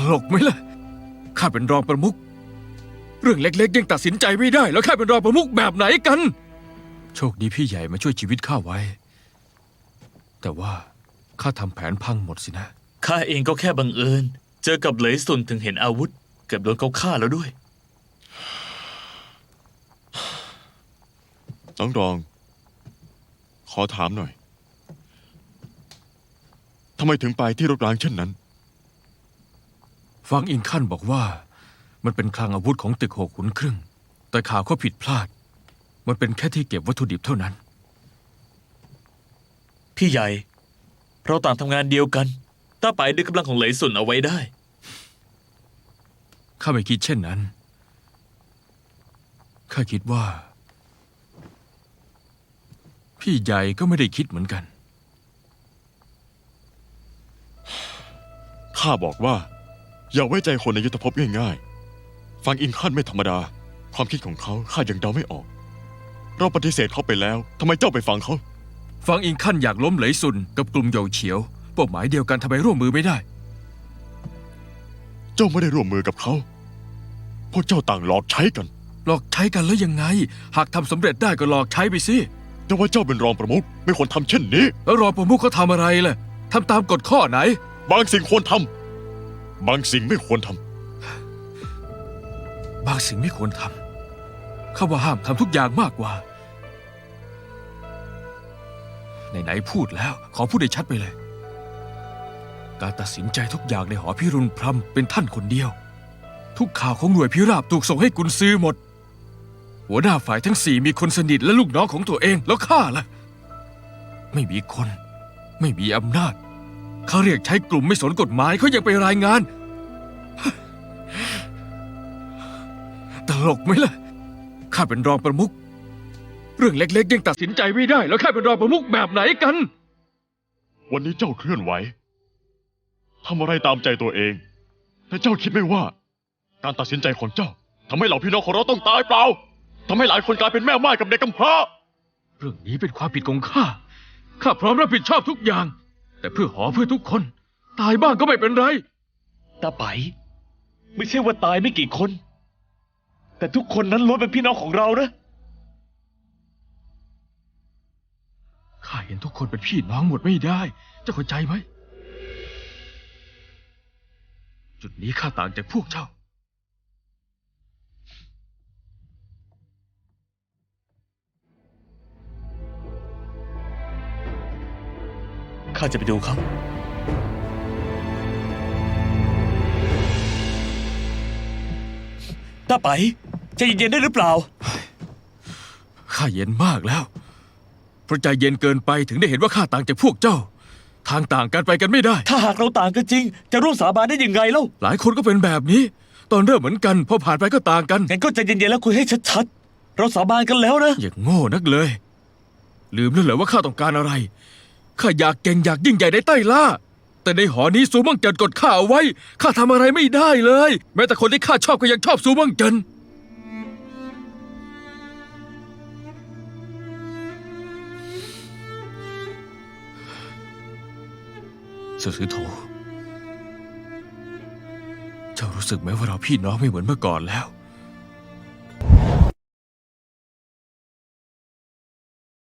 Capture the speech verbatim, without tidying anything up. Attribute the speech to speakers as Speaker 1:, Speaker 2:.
Speaker 1: ลกไหมล่ะข้าเป็นรองประมุขเรื่องเล็กๆยังตัดสินใจไม่ได้แล้วข้าเป็นรองประมุขแบบไหนกันโชคดีพี่ใหญ่มาช่วยชีวิตข้าไว้แต่ว่าข้าทำแผนพังหมดสินะ
Speaker 2: ข้าเองก็แค่บังเอิญเจอกับเหลยสุนถึงเห็นอาวุธเกือบโดนเขาฆ่าแล้วด้วย
Speaker 3: น้องรองขอถามหน่อยทำไมถึงไปที่รถร้างเช่นนั้น
Speaker 1: ฟังอิงขั้นบอกว่ามันเป็นคลังอาวุธของตึกหกขุนครึ่งแต่ข่าวเขาผิดพลาดมันเป็นแค่ที่เก็บวัตถุดิบเท่านั้น
Speaker 2: พี่ใหญ่เราต่างทำงานเดียวกันต้าไปดึงกำลังของเหลยสุนเอาไว้ได้
Speaker 1: ข้าไม่คิดเช่นนั้นข้าคิดว่าพี่ใหญ่ก็ไม่ได้คิดเหมือนกัน
Speaker 3: ข้าบอกว่าอย่าไว้ใจคนในยุทธภพง่ายๆฟังอินขั้นไม่ธรรมดาความคิดของเขาข้ายังเดาไม่ออกเราปฏิเสธเขาไปแล้วทำไมเจ้าไปฟังเขา
Speaker 1: ฟังอิงขั้นอยากล้มเหลยซุนกับกลุ่มเหยาเฉียวเป้าหมายเดียวกันทำไมร่วมมือไม่ได้
Speaker 3: เจ้าไม่ได้ร่วมมือกับเขาพวกเจ้าต่างหลอกใช้กัน
Speaker 1: หลอกใช้กันแล้วยังไงหากทำสำเร็จได้ก็หลอกใช้ไปสิ
Speaker 3: แต่ว่าเจ้าเป็นรองประมุขไม่ควรทำเช่นนี้
Speaker 1: แล้วรองประมุขเขาทำอะไรล่ะทำตามกฎข้อไหน
Speaker 3: บางสิ่งควรทำบางสิ่งไม่ควรท
Speaker 1: ำบางสิ่งไม่ควรทำข้าว่าห้ามทำทุกอย่างมากกว่าไหนๆพูดแล้วขอพูดให้ชัดไปเลยการตัดสินใจทุกอย่างในหอพิรุณพรหมเป็นท่านคนเดียวทุกข่าวของหน่วยพิราบถูกส่งให้กุนซือหมดหัวหน้าฝ่ายทั้งสี่มีคนสนิทและลูกน้องของตัวเองแล้วข้าล่ะไม่มีคนไม่มีอำนาจเขาเรียกใช้กลุ่มไม่สนกฎหมายเขายังไปรายงานตลกไหมล่ะข้าเป็นรองประมุขเรื่องเล็กๆยังตัดสินใจไม่ได้แล้วข้าเป็นรองประมุขแบบไหนกัน
Speaker 3: วันนี้เจ้าเคลื่อนไหวทำอะไรตามใจตัวเองแต่เจ้าคิดไม่ว่าการตัดสินใจของเจ้าทำให้เหล่าพี่น้องของเราต้องตายเปล่าทำให้หลายคนกลายเป็นแม่ม่ายกับเด็กกำพร้า
Speaker 1: เรื่องนี้เป็นความผิดของข้าข้าพร้อมรับผิดชอบทุกอย่างแต่เพื่อหอเพื่อทุกคนตายบ้างก็ไม่เป็นไร
Speaker 2: ตาไปไม่ใช่ว่าตายไม่กี่คนแต่ทุกคนนั้นล้วนเป็นพี่น้องของเรานะ
Speaker 1: ข้าเห็นทุกคนเป็นพี่น้องหมดไม่ได้เจ้าเข้าใจไหมจุดนี้ข้าต่างจากพวกเจ้า
Speaker 2: ข้าจะไปดูเขาต้าไปใจเย็นๆได้หรือเปล่า
Speaker 1: ข้าเย็นมากแล้วเพราะใจเย็นเกินไปถึงได้เห็นว่าข้าต่างจากพวกเจ้าทางต่างกันไปกันไม่ได้
Speaker 2: ถ้าหากเราต่างกันจริงจะร่วมสาบานได้ยังไงเล่า
Speaker 1: หลายคนก็เป็นแบบนี้ตอนเริ่มเหมือนกันพอผ่านไปก็ต่างกัน
Speaker 2: งั้นก็ใจเย็นๆแล้วคุยให้ชัดๆเราสาบานกันแล้วนะ
Speaker 1: อย่างโง่นักเลยลืมแล้วเหรอว่าข้าต้องการอะไรข้าอยากเก่งอยากยิ่งใหญ่ในใต้ล่าแต่ในหอนี้ซูมั่งเจินกดข้าเอาไว้ข้าทำอะไรไม่ได้เลยแม้แต่คนที่ข้าชอบก็ยังชอบซูมั่งเจินเสี่ยวซือโถเจ้ารู้สึกไหมว่าเราพี่น้องไม่เหมือนเมื่อก่อนแล้ว